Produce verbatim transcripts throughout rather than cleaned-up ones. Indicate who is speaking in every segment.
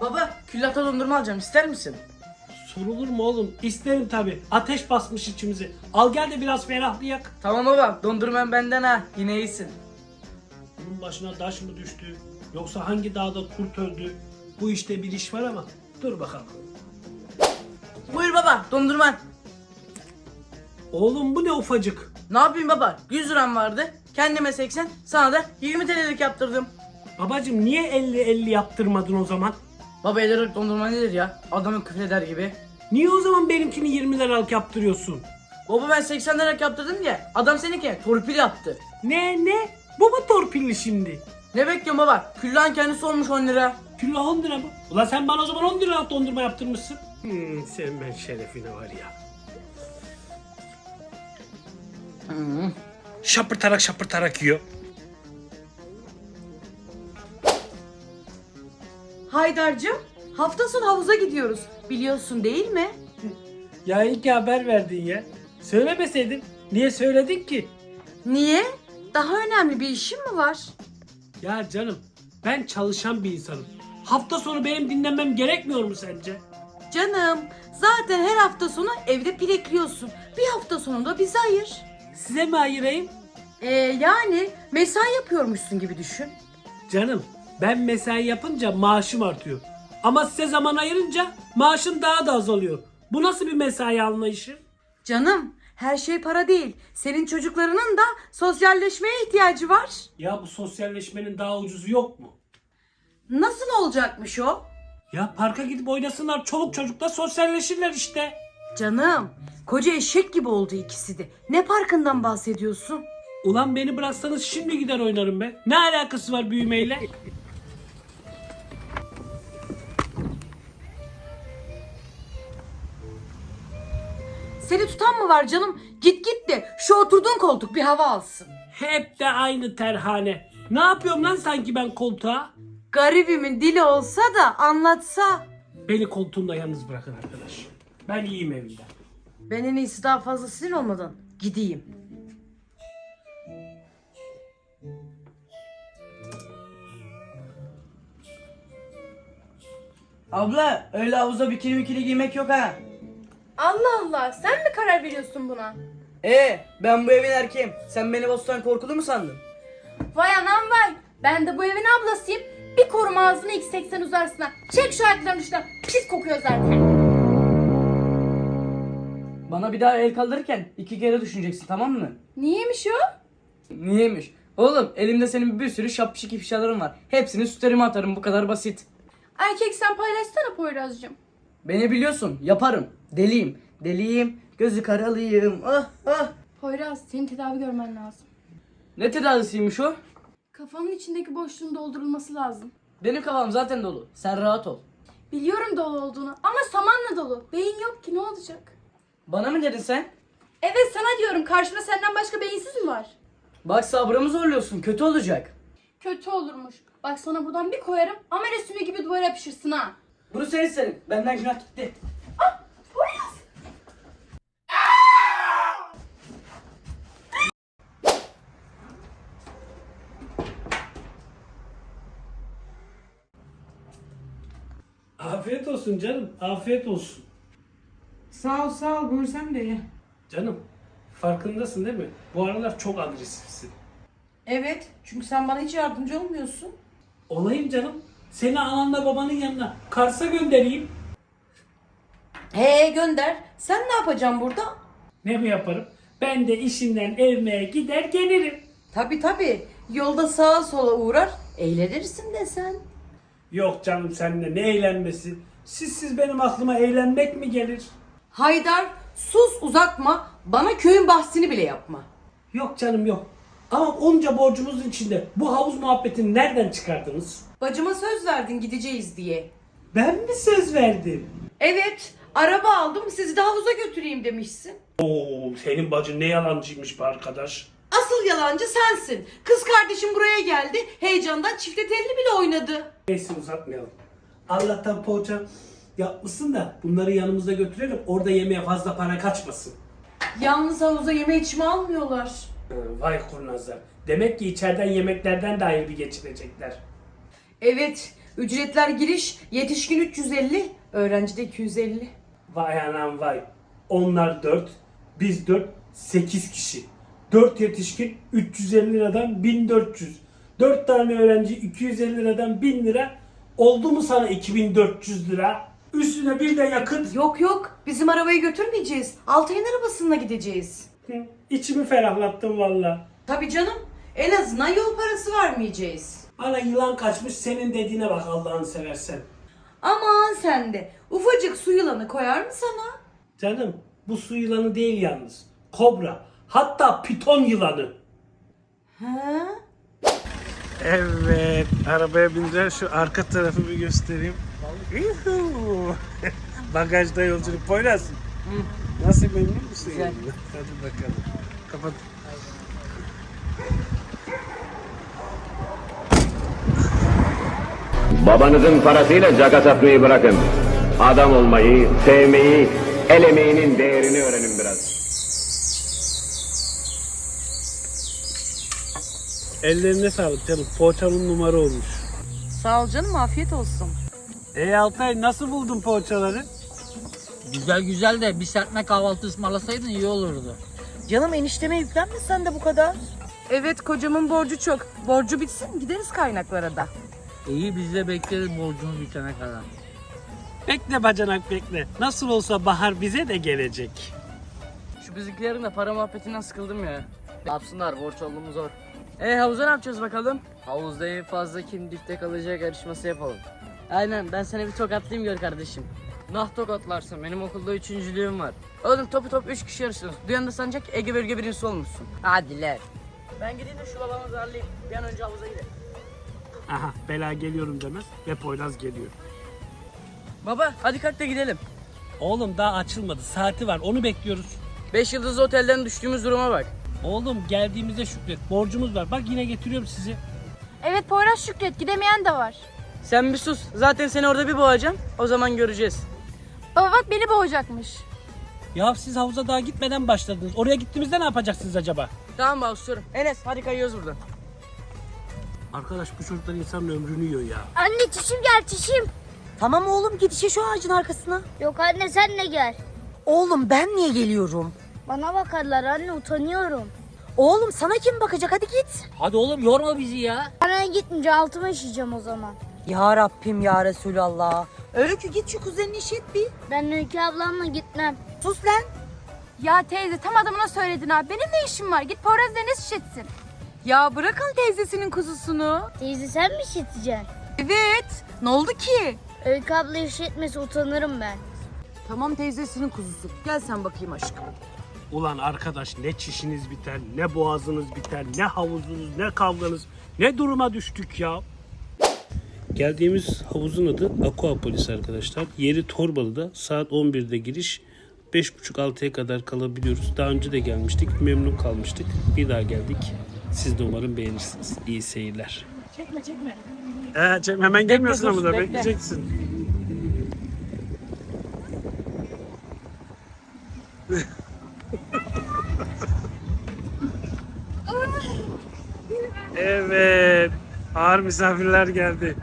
Speaker 1: Baba, küllata dondurma alacağım, ister misin?
Speaker 2: Sorulur mu oğlum? İsterim tabi. Ateş basmış içimizi. Al gel de biraz ferahlayak.
Speaker 1: Tamam baba, dondurman benden ha, yine iyisin.
Speaker 2: Bunun başına taş mı düştü? Yoksa hangi dağda kurt öldü? Bu işte bir iş var ama dur bakalım.
Speaker 1: Buyur baba, dondurman.
Speaker 2: Oğlum bu ne ufacık?
Speaker 1: Ne yapayım baba, yüz liram vardı. Kendime seksen, sana da yirmi T L'lik yaptırdım.
Speaker 2: Babacım niye elli elli yaptırmadın o zaman?
Speaker 1: Baba elli liralık dondurma nedir ya? Adamı küfreder gibi.
Speaker 2: Niye o zaman benimkini yirmi liralık yaptırıyorsun?
Speaker 1: Baba ben seksen liralık yaptırdım ya, adam seninki torpil yaptı.
Speaker 2: Ne ne? Bu mu torpilli şimdi?
Speaker 1: Ne bekliyorsun baba? Küllan kendisi olmuş on lira.
Speaker 2: Külah on lira mı? Ulan sen bana o zaman on liralık dondurma yaptırmışsın. Hmm, sen ben şerefine var ya.
Speaker 1: Hmm.
Speaker 2: Şapırtarak şapırtarak yiyor.
Speaker 3: Haydar'cığım, hafta sonu havuza gidiyoruz. Biliyorsun değil mi?
Speaker 2: Ya iyi ki haber verdin ya. Söylemeseydin. Niye söyledin ki?
Speaker 3: Niye? Daha önemli bir işin mi var?
Speaker 2: Ya canım ben çalışan bir insanım. Hafta sonu benim dinlenmem gerekmiyor mu sence?
Speaker 3: Canım, zaten her hafta sonu evde pilekliyorsun. Bir hafta sonu da bize ayır.
Speaker 2: Size mi ayırayım?
Speaker 3: Ee, yani mesai yapıyormuşsun gibi düşün.
Speaker 2: Canım ben mesai yapınca maaşım artıyor. Ama size zaman ayırınca maaşım daha da azalıyor. Bu nasıl bir mesai anlayışı?
Speaker 3: Canım, her şey para değil. Senin çocuklarının da sosyalleşmeye ihtiyacı var.
Speaker 2: Ya bu sosyalleşmenin daha ucuzu yok mu?
Speaker 3: Nasıl olacakmış o?
Speaker 2: Ya parka gidip oynasınlar, çoluk çocukla sosyalleşirler işte.
Speaker 3: Canım, koca eşek gibi oldu ikisi de. Ne parkından bahsediyorsun?
Speaker 2: Ulan beni bıraksanız şimdi gider oynarım be. Ne alakası var büyümeyle?
Speaker 3: Seni tutan mı var canım? Git git de şu oturduğun koltuk bir hava alsın.
Speaker 2: Hep de aynı terhane. Ne yapıyorum lan sanki ben koltuğa?
Speaker 3: Garibimin dili olsa da anlatsa.
Speaker 2: Beni koltuğumda yalnız bırakın arkadaş. Ben iyiyim evimde.
Speaker 3: Ben en iyisi daha fazla sinir olmadan gideyim.
Speaker 1: Abla, öyle havuza bikini bikini giymek yok ha.
Speaker 4: Allah Allah, sen mi karar veriyorsun buna?
Speaker 1: Ee, ben bu evin erkeğim. Sen beni bostan korkulu mu sandın?
Speaker 4: Vay anam vay, ben de bu evin ablasıyım. Bir koruma ağzını x seksen uzarsına. Çek şu ayaklarının uçtan, pis kokuyor zaten.
Speaker 1: Bana bir daha el kaldırırken iki kere düşüneceksin, tamam mı?
Speaker 4: Niyeymiş o?
Speaker 1: Niyeymiş? Oğlum elimde senin bir sürü şapşik ifşaların var. Hepsini sütlerime atarım, bu kadar basit.
Speaker 4: Erkek sen paylaşsana Poyraz'cığım.
Speaker 1: Beni biliyorsun, yaparım. Deliyim, deliyim, gözü karalıyım. Ah ah.
Speaker 4: Poyraz, senin tedavi görmen lazım.
Speaker 1: Ne tedavisiymiş o?
Speaker 4: Kafanın içindeki boşluğun doldurulması lazım.
Speaker 1: Benim kafam zaten dolu. Sen rahat ol.
Speaker 4: Biliyorum dolu olduğunu ama samanla dolu. Beyin yok ki, ne olacak?
Speaker 1: Bana mı dedin sen?
Speaker 4: Evet sana diyorum, karşımda senden başka beyinsiz mi var?
Speaker 1: Bak sabrımı zorluyorsun, kötü olacak.
Speaker 4: Kötü olurmuş. Bak sana buradan bir koyarım, amele sümüğü gibi duvara yapışırsın ha.
Speaker 1: Bunu sen istedin. Benden günah gitti.
Speaker 4: Poyraz!
Speaker 2: Afiyet olsun canım. Afiyet olsun.
Speaker 5: Sağ ol sağ ol buyur sen de ye.
Speaker 2: Canım farkındasın değil mi? Bu aralar çok agresifsin.
Speaker 5: Evet çünkü sen bana hiç yardımcı olmuyorsun.
Speaker 2: Olayım canım. Seni ananla babanın yanına Kars'a göndereyim.
Speaker 3: He gönder. Sen ne yapacaksın burada?
Speaker 2: Ne mi yaparım? Ben de işimden evime gider gelirim.
Speaker 3: Tabi tabi. Yolda sağa sola uğrar. Eğlenirsin de sen.
Speaker 2: Yok canım seninle ne eğlenmesi. Sizsiz benim aklıma eğlenmek mi gelir?
Speaker 3: Haydar sus uzatma. Bana köyün bahsini bile yapma.
Speaker 2: Yok canım yok. Ama onca borcumuzun içinde bu havuz muhabbetini nereden çıkardınız?
Speaker 3: Bacıma söz verdin gideceğiz diye.
Speaker 2: Ben mi söz verdim?
Speaker 3: Evet araba aldım sizi de havuza götüreyim demişsin.
Speaker 2: Oo, senin bacın ne yalancıymış be arkadaş.
Speaker 3: Asıl yalancı sensin. Kız kardeşim buraya geldi. Heyecandan çifte telli bile oynadı.
Speaker 2: Neyse uzatmayalım. Allah'tan poğaça yapmışsın da bunları yanımızda götürelim. Orada yemeğe fazla para kaçmasın.
Speaker 3: Yalnız havuza yeme içme almıyorlar.
Speaker 2: Hı, vay kurnazlar. Demek ki içeriden yemeklerden de ayrı bir geçinecekler.
Speaker 3: Evet Ücretler giriş yetişkin üç yüz elli, öğrenci de iki yüz elli.
Speaker 2: Vay anam vay. Onlar dört, biz dört, sekiz kişi. dört yetişkin üç yüz elli liradan bin dört yüz. dört tane öğrenci iki yüz elli liradan bin lira. Oldu mu sana iki bin dört yüz lira? Üstüne bir de yakıt.
Speaker 3: Yok yok, bizim arabayı götürmeyeceğiz. Altay'ın arabasına gideceğiz.
Speaker 2: Hı, İçimi ferahlattın valla.
Speaker 3: Tabii canım, en azından yol parası vermeyeceğiz.
Speaker 2: Ana yılan kaçmış, senin dediğine bak Allah'ını seversen.
Speaker 3: Aman sen de, ufacık su yılanı koyar mı sana?
Speaker 2: Canım bu su yılanı değil yalnız. Kobra. Hatta piton yılanı.
Speaker 3: He?
Speaker 2: Evet, arabaya bineceğim. Şu arka tarafı bir göstereyim. Yuhuu. Bagajda yolculuk. Poyraz. Nasıl, memnun musun?
Speaker 1: Güzel.
Speaker 2: Yani? Hadi bakalım. Kapat.
Speaker 6: Babanızın parasıyla caka satmayı bırakın. Adam olmayı, sevmeyi, el emeğinin değerini öğrenin biraz.
Speaker 2: Ellerine sağlık canım. Poğaçanın numara olmuş.
Speaker 3: Sağ ol canım, afiyet olsun.
Speaker 2: Ey Altay, nasıl buldun poğaçaları?
Speaker 7: Güzel güzel de bir serpme kahvaltı ısmarlasaydın iyi olurdu.
Speaker 3: Canım enişteme yüklenme sen de bu kadar. Evet, kocamın borcu çok. Borcu bitsin, gideriz kaynaklara da.
Speaker 7: İyi biz de bekleriz borcumuz bitene kadar.
Speaker 2: Bekle bacanak bekle. Nasıl olsa bahar bize de gelecek.
Speaker 1: Şu bizimkilerin de para muhabbetinden sıkıldım ya. Yapsınlar, borç olduğumuz zor. E havuza ne yapacağız bakalım? Havuzda en fazla kim dipte kalacak yarışması yapalım. Aynen, ben sana bir tokatlayayım gör kardeşim. Nah tokatlarsın, benim okulda üçüncülüğüm var. Oğlum topu top üç kişi yarışıyoruz. Duyan da sanacak Ege bölge birincisi olmuşsun.
Speaker 3: Hadi lan.
Speaker 1: Ben gideyim de şu babamı zarlayayım. Bir an önce havuza gidelim.
Speaker 2: Aha, bela geliyorum demez ve Poyraz geliyor.
Speaker 1: Baba hadi kalk da gidelim.
Speaker 2: Oğlum daha açılmadı. Saati var. Onu bekliyoruz.
Speaker 1: Beş yıldızlı otelden düştüğümüz duruma bak.
Speaker 2: Oğlum geldiğimizde şükret. Borcumuz var. Bak yine getiriyorum sizi.
Speaker 4: Evet Poyraz Şükret, gidemeyen de var.
Speaker 1: Sen bir sus. Zaten seni orada bir boğacağım. O zaman göreceğiz.
Speaker 4: Baba bak beni boğacakmış.
Speaker 2: Ya siz havuza daha gitmeden başladınız. Oraya gittiğimizde ne yapacaksınız acaba?
Speaker 1: Tamam baba susuyorum. Enes hadi kayıyoruz buradan.
Speaker 2: Arkadaş bu çocuklar insanın ömrünü yiyor ya.
Speaker 8: Anne çişim gel çişim.
Speaker 3: Tamam oğlum, git işe şu ağacın arkasına.
Speaker 8: Yok anne sen de gel.
Speaker 3: Oğlum ben niye geliyorum?
Speaker 8: Bana bakarlar anne utanıyorum.
Speaker 3: Oğlum sana kim bakacak, hadi git.
Speaker 7: Hadi oğlum yorma bizi ya.
Speaker 8: Anne gitmeyince altıma işeyeceğim o zaman.
Speaker 3: Ya Rabbim ya Resulallah. Öykü git şu kuzenini işit bir.
Speaker 8: Ben Öykü ablamla gitmem.
Speaker 3: Sus lan.
Speaker 4: Ya teyze tam adamına söyledin ha. Benim ne işim var? Git Poyraz Enes şişetsin.
Speaker 3: Ya bırakın teyzesinin kuzusunu.
Speaker 8: Teyze sen mi işleteceksin?
Speaker 3: Evet. Ne oldu ki?
Speaker 8: Öykü abla işletmesi utanırım ben.
Speaker 3: Tamam, teyzesinin kuzusu. Gel sen bakayım aşkım.
Speaker 2: Ulan arkadaş ne çişiniz biter, ne boğazınız biter, ne havuzunuz, ne kavganız, ne duruma düştük ya. Geldiğimiz havuzun adı Aquapolis arkadaşlar. Yeri Torbalı'da, saat on birde giriş, beş buçuk altıya kadar kalabiliyoruz. Daha önce de gelmiştik, memnun kalmıştık. Bir daha geldik. Siz de umarım beğenirsiniz. İyi seyirler. Çekme çekme. Ee, çekme hemen gelmiyorsun ama da bekleyeceksin. Evet. Ağır misafirler geldi.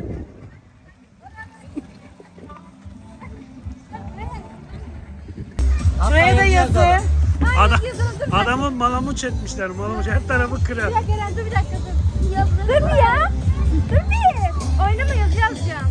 Speaker 3: Şuraya da yazın.
Speaker 2: Adam, adamın malamuç etmişler. Malamuç her tarafı kırar.
Speaker 4: Bir dakika Eren dur bir dakika dur. Dur bir ya. Dur bir. Oynama yazı yazacağım.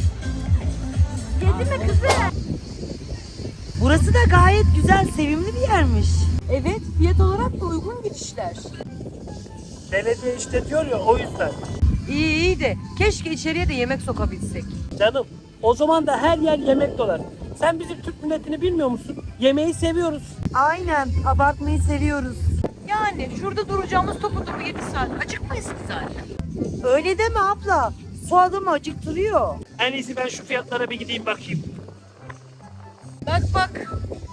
Speaker 4: Yedi mi kızım?
Speaker 3: Burası da gayet güzel, sevimli bir yermiş. Evet, fiyat olarak da uygun girişler.
Speaker 2: Belediye işletiyor ya o yüzden.
Speaker 3: İyi iyi de keşke içeriye de yemek sokabilsek.
Speaker 2: Canım o zaman da her yer yemek dolar. Sen bizim Türk milletini bilmiyor musun? Yemeği seviyoruz.
Speaker 3: Aynen, abartmayı seviyoruz. Yani şurada duracağımız topu topu yedi saat. Acıkmayız ki zaten. Öyle deme abla. Su adamı acıktırıyor.
Speaker 2: En iyisi ben şu fiyatlara bir gideyim bakayım.
Speaker 3: Bak bak.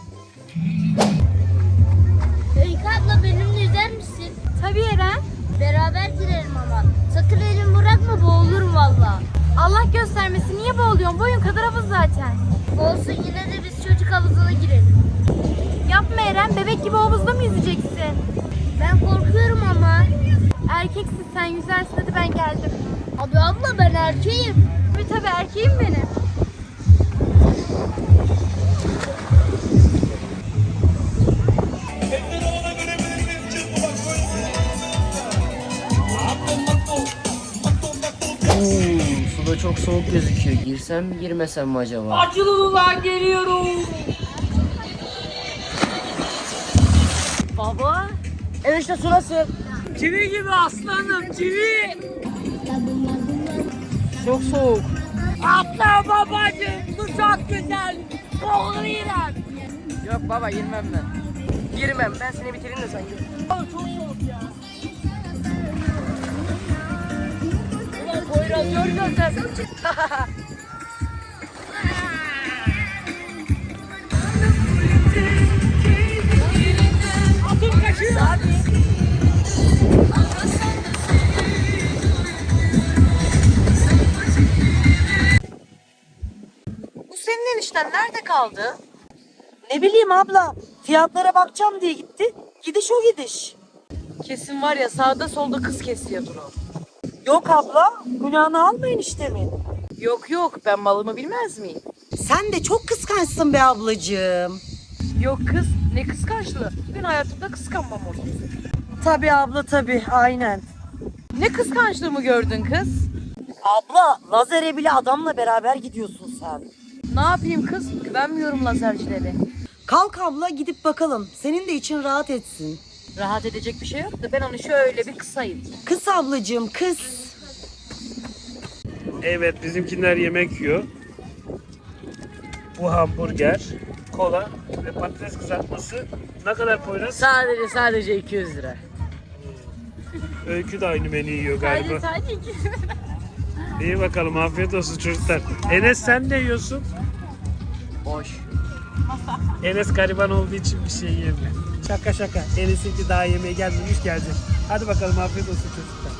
Speaker 8: Öykü abla benimle yüzer misin?
Speaker 4: Tabii Eren.
Speaker 8: Beraber girelim ama. Sakın elimi bırakma boğulurum valla.
Speaker 4: Allah göstermesin niye boğuluyorsun? Boyun kadar havuz zaten.
Speaker 8: Olsun yine de biz çocuk havuzuna girelim.
Speaker 4: Yapma Eren, bebek gibi havuzda mı yüzeceksin?
Speaker 8: Ben korkuyorum ama.
Speaker 4: Erkeksin sen yüzersin, hadi ben geldim.
Speaker 8: Abi abla ben erkeğim.
Speaker 4: Tabii tabii erkeğim benim.
Speaker 1: Su da çok soğuk gözüküyor. Girsem mi girmesem mi acaba?
Speaker 3: Açılın ulan geliyorum.
Speaker 1: Baba. Evet işte su nasıl?
Speaker 3: Çivi gibi aslanım çivi.
Speaker 1: Çok soğuk.
Speaker 3: Atla babacığım bu çok güzel. Boğuluyorum.
Speaker 1: Yok baba girmem ben. Girmem ben seni bitireyim de sen gir.
Speaker 3: Çok soğuk ya. Ulan Poyraz görüyorsun sen. Atım kaçıyor. Bu senin enişten nerede kaldı? Ne bileyim abla. Fiyatlara bakacağım diye gitti. Gidiş o gidiş. Kesin var ya sağda solda kız kesiyordur o. Yok abla. Günahını almayın işte mi? Yok yok ben malımı bilmez miyim? Sen de çok kıskançsın be ablacığım. Yok kız ne kıskançlığı. Ben hayatımda kıskanmam onu. Tabii abla tabii aynen. Ne kıskançlığımı gördün kız? Abla lazere bile adamla beraber gidiyorsun sen. Ne yapayım kız? Güvenmiyorum lazercilere. Kalk abla gidip bakalım. Senin de için rahat etsin. Rahat edecek bir şey yok da ben onu şöyle bir kısayım. Kız ablacığım kız.
Speaker 2: Evet, bizimkiler yemek yiyor. Bu hamburger, kola ve patates kızartması. Ne kadar Poyraz?
Speaker 1: Sadece sadece iki yüz lira.
Speaker 2: Öykü de aynı menüyü yiyor galiba.
Speaker 4: Sadece iki.
Speaker 2: İyi bakalım, afiyet olsun çocuklar. Enes sen ne yiyorsun?
Speaker 1: Boş.
Speaker 2: Enes gariban olduğu için bir şey yemiyor. Şaka şaka. Enes'inki daha yemeğe gelmemiş gelecek. Hadi bakalım afiyet olsun çocuklar.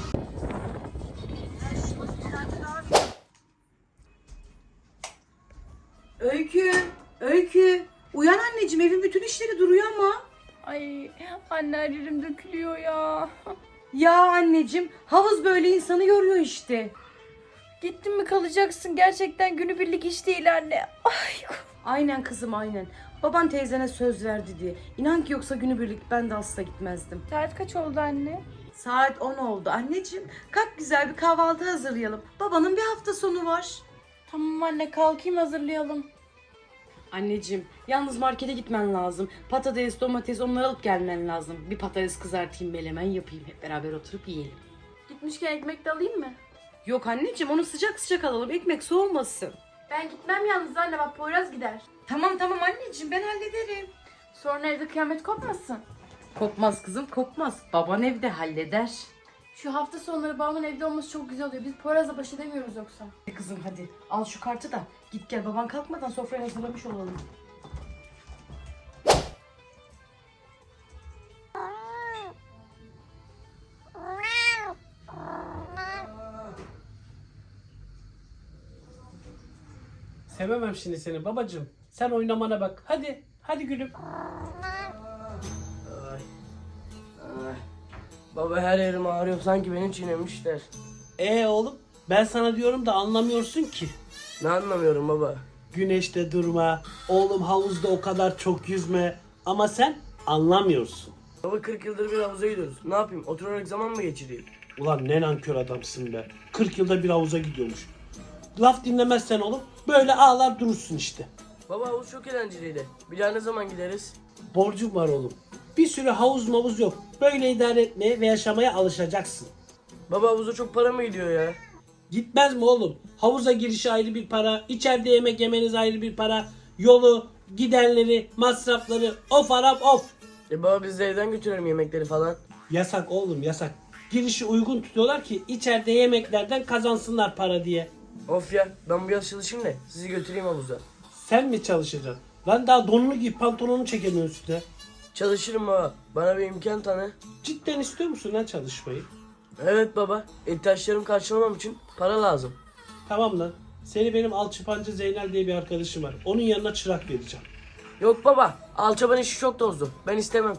Speaker 5: Öykü, Öykü. Uyan anneciğim evin bütün işleri duruyor ama.
Speaker 4: Ay anne her yerim dökülüyor ya.
Speaker 5: Ya anneciğim havuz böyle insanı yoruyor işte.
Speaker 4: Gittin mi kalacaksın gerçekten günübirlik iş değil anne. Ay.
Speaker 5: Aynen kızım aynen. Baban teyzene söz verdi diye. İnan ki yoksa günübirlik ben de asla gitmezdim.
Speaker 4: Saat kaç oldu anne?
Speaker 5: Saat on oldu anneciğim. Kalk güzel bir kahvaltı hazırlayalım. Babanın bir hafta sonu var.
Speaker 4: Tamam anne kalkayım hazırlayalım.
Speaker 5: Anneciğim yalnız markete gitmen lazım. Patates, domates onları alıp gelmen lazım. Bir patates kızartayım, menemen yapayım. Hep beraber oturup yiyelim.
Speaker 4: Gitmişken ekmek de alayım mı?
Speaker 5: Yok anneciğim onu sıcak sıcak alalım. Ekmek soğumasın.
Speaker 4: Ben gitmem yalnız anne bak Poyraz gider.
Speaker 5: Tamam tamam anneciğim ben hallederim.
Speaker 4: Sonra evde kıyamet kopmasın.
Speaker 5: Kopmaz kızım kopmaz. Baban evde halleder.
Speaker 4: Şu hafta sonları babamın evde olması çok güzel oluyor. Biz Poyraz'la baş edemiyoruz yoksa.
Speaker 5: Hadi kızım hadi al şu kartı da git gel baban kalkmadan sofrayı hazırlamış olalım.
Speaker 2: Sevemem şimdi seni babacığım. Sen oynamana bak. Hadi. Hadi gülüm.
Speaker 1: Ay. Baba her yerim ağrıyor sanki beni çiğnemişler.
Speaker 2: Ee oğlum ben sana diyorum da anlamıyorsun ki.
Speaker 1: Ne anlamıyorum baba.
Speaker 2: Güneşte durma. Oğlum havuzda o kadar çok yüzme. Ama sen anlamıyorsun.
Speaker 1: Baba kırk yıldır bir havuza gidiyoruz. Ne yapayım oturarak zaman mı geçireyim?
Speaker 2: Ulan ne nankör adamsın be. kırk yılda bir havuza gidiyormuş. Laf dinlemezsen oğlum böyle ağlar durursun işte.
Speaker 1: Baba havuz çok eğlenceliydi. Bir daha ne zaman gideriz?
Speaker 2: Borcum var oğlum. Bir sürü havuz mavuz yok. Böyle idare etmeye ve yaşamaya alışacaksın.
Speaker 1: Baba havuza çok para mı gidiyor ya?
Speaker 2: Gitmez mi oğlum? Havuza girişi ayrı bir para, içeride yemek yemeniz ayrı bir para, yolu, giderleri, masrafları, of Arap of.
Speaker 1: E baba biz de evden götürelim yemekleri falan.
Speaker 2: Yasak oğlum yasak. Girişi uygun tutuyorlar ki içeride yemeklerden kazansınlar para diye.
Speaker 1: Of ya ben bu yaz çalışayım da sizi götüreyim havuza.
Speaker 2: Sen mi çalışacaksın? Lan daha donunu giy pantolonunu çekemiyorsun üstüne.
Speaker 1: Çalışırım baba. Bana bir imkan tanı.
Speaker 2: Cidden istiyor musun lan çalışmayı?
Speaker 1: Evet baba. İhtiyaçlarımı karşılamam için para lazım.
Speaker 2: Tamam lan. Seni benim alçıpancı Zeynel diye bir arkadaşım var. Onun yanına çırak vereceğim.
Speaker 1: Yok baba. Alçaban işi çok tozdu. Ben istemem.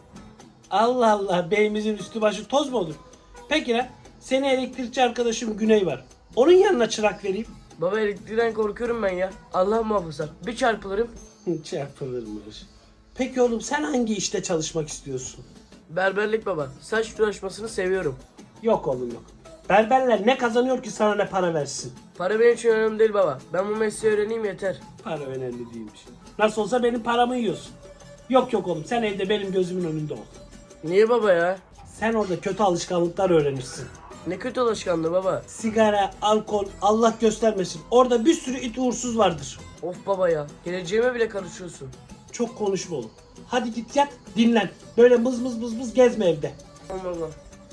Speaker 2: Allah Allah beyimizin üstü başı toz mu olur? Peki lan senin elektrikçi arkadaşım Güney var. Onun yanına çırak vereyim.
Speaker 1: Baba elektrikten korkuyorum ben ya. Allah muhafaza. Bir çarpılırım.
Speaker 2: Çarpılırmış. Peki oğlum sen hangi işte çalışmak istiyorsun?
Speaker 1: Berberlik baba. Saç uğraşmasını seviyorum.
Speaker 2: Yok oğlum yok. Berberler ne kazanıyor ki sana ne para versin?
Speaker 1: Para benim için önemli değil baba. Ben bu mesleği öğreneyim yeter.
Speaker 2: Para önemli değilmiş. Nasıl olsa benim paramı yiyorsun. Yok yok oğlum sen evde benim gözümün önünde ol.
Speaker 1: Niye baba ya?
Speaker 2: Sen orada kötü alışkanlıklar öğrenirsin.
Speaker 1: Ne kötü alışkanlığı baba.
Speaker 2: Sigara, alkol, Allah göstermesin. Orada bir sürü it uğursuz vardır.
Speaker 1: Of baba ya. Geleceğime bile karışıyorsun.
Speaker 2: Çok konuşma oğlum. Hadi git yat, dinlen. Böyle mız mız mız mız gezme evde.
Speaker 1: Tamam baba.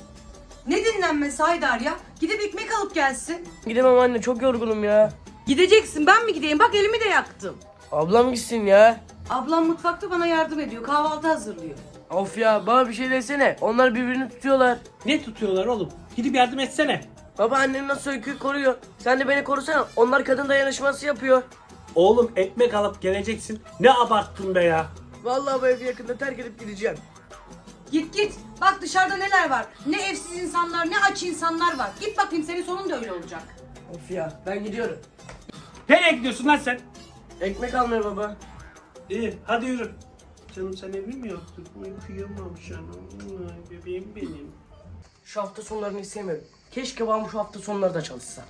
Speaker 3: Ne dinlenmesi Haydar ya? Gidip ekmek alıp gelsin.
Speaker 1: Gidemem anne, çok yorgunum ya.
Speaker 3: Gideceksin, ben mi gideyim? Bak elimi de yaktım.
Speaker 1: Ablam gitsin ya.
Speaker 3: Ablam mutfakta bana yardım ediyor. Kahvaltı hazırlıyor.
Speaker 1: Of ya, bana bir şey desene. Onlar birbirini tutuyorlar.
Speaker 2: Ne tutuyorlar oğlum? Gidip yardım etsene.
Speaker 1: Baba annem nasıl öyküyü koruyor. Sen de beni korusana. Onlar kadın dayanışması yapıyor.
Speaker 2: Oğlum ekmek alıp geleceksin. Ne abarttın be ya.
Speaker 1: Vallahi bu evi yakında terk edip gideceğim.
Speaker 3: Git git. Bak dışarıda neler var. Ne evsiz insanlar, ne aç insanlar var. Git bakayım, senin sonun da öyle olacak.
Speaker 1: Of ya, ben gidiyorum.
Speaker 2: Nereye gidiyorsun lan sen?
Speaker 1: Ekmek almaya baba.
Speaker 2: İyi hadi yürü. Canım sen evli mi yaptın? Kıyamam canım. Ay, bebeğim benim.
Speaker 1: Şu hafta sonlarını istemiyorum. Keşke babam şu hafta sonları da çalışsa.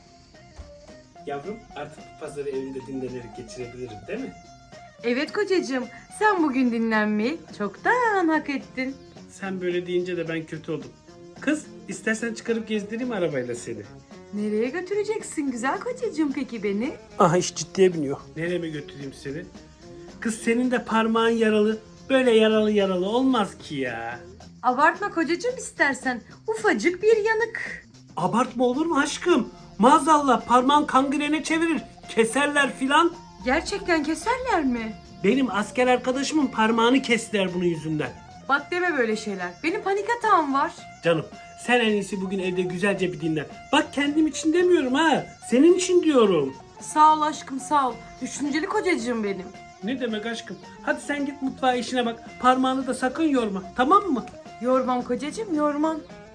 Speaker 2: Yavrum artık bu pazarı evinde dinlenerek geçirebilirim değil mi?
Speaker 5: Evet kocacığım, sen bugün dinlenmeyi çoktan hak ettin.
Speaker 2: Sen böyle deyince de ben kötü oldum. Kız istersen çıkarıp gezdireyim arabayla seni.
Speaker 5: Nereye götüreceksin güzel kocacığım peki beni?
Speaker 2: Aha iş ciddiye biniyor. Nereye mi götüreyim seni? Kız senin de parmağın yaralı. Böyle yaralı yaralı olmaz ki ya.
Speaker 5: Abartma kocacığım istersen. Ufacık bir yanık.
Speaker 2: Abartma olur mu aşkım? Maazallah parmağın kangrene çevirir. Keserler filan.
Speaker 5: Gerçekten keserler mi?
Speaker 2: Benim asker arkadaşımın parmağını kestiler bunun yüzünden.
Speaker 5: Bak deme böyle şeyler. Benim panik atağım var.
Speaker 2: Canım sen en iyisi bugün evde güzelce bir dinlen. Bak kendim için demiyorum ha. Senin için diyorum.
Speaker 5: Sağ ol aşkım sağ ol. Düşünceli kocacığım benim.
Speaker 2: Ne demek aşkım? Hadi sen git mutfağa işine bak. Parmağını da sakın yorma. Tamam mı?
Speaker 5: Yormam kocacığım yormam.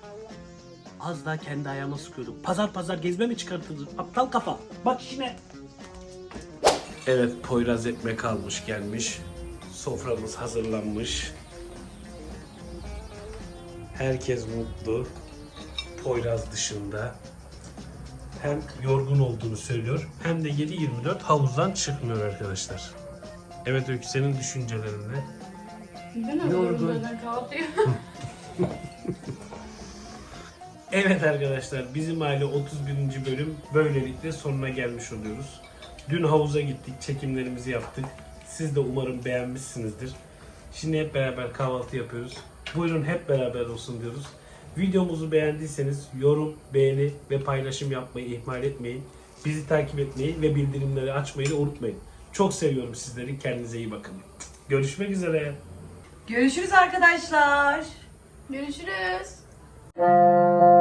Speaker 2: Az daha kendi ayağıma sıkıyordum. Pazar pazar gezme mi çıkartırdın? Aptal kafa. Bak işine. Evet Poyraz ekmek almış gelmiş. Soframız hazırlanmış. Herkes mutlu. Poyraz dışında. Hem yorgun olduğunu söylüyor hem de yedi yirmi dört havuzdan çıkmıyor arkadaşlar. Evet Öykü senin düşüncelerin ne?
Speaker 1: Yorgun.
Speaker 2: Evet arkadaşlar bizim aile otuz birinci bölüm böylelikle sonuna gelmiş oluyoruz. Dün havuza gittik, çekimlerimizi yaptık. Siz de umarım beğenmişsinizdir. Şimdi hep beraber kahvaltı yapıyoruz. Buyurun hep beraber olsun diyoruz. Videomuzu beğendiyseniz yorum, beğeni ve paylaşım yapmayı ihmal etmeyin. Bizi takip etmeyi ve bildirimleri açmayı da unutmayın. Çok seviyorum sizleri. Kendinize iyi bakın. Görüşmek üzere.
Speaker 3: Görüşürüz arkadaşlar.
Speaker 4: Görüşürüz.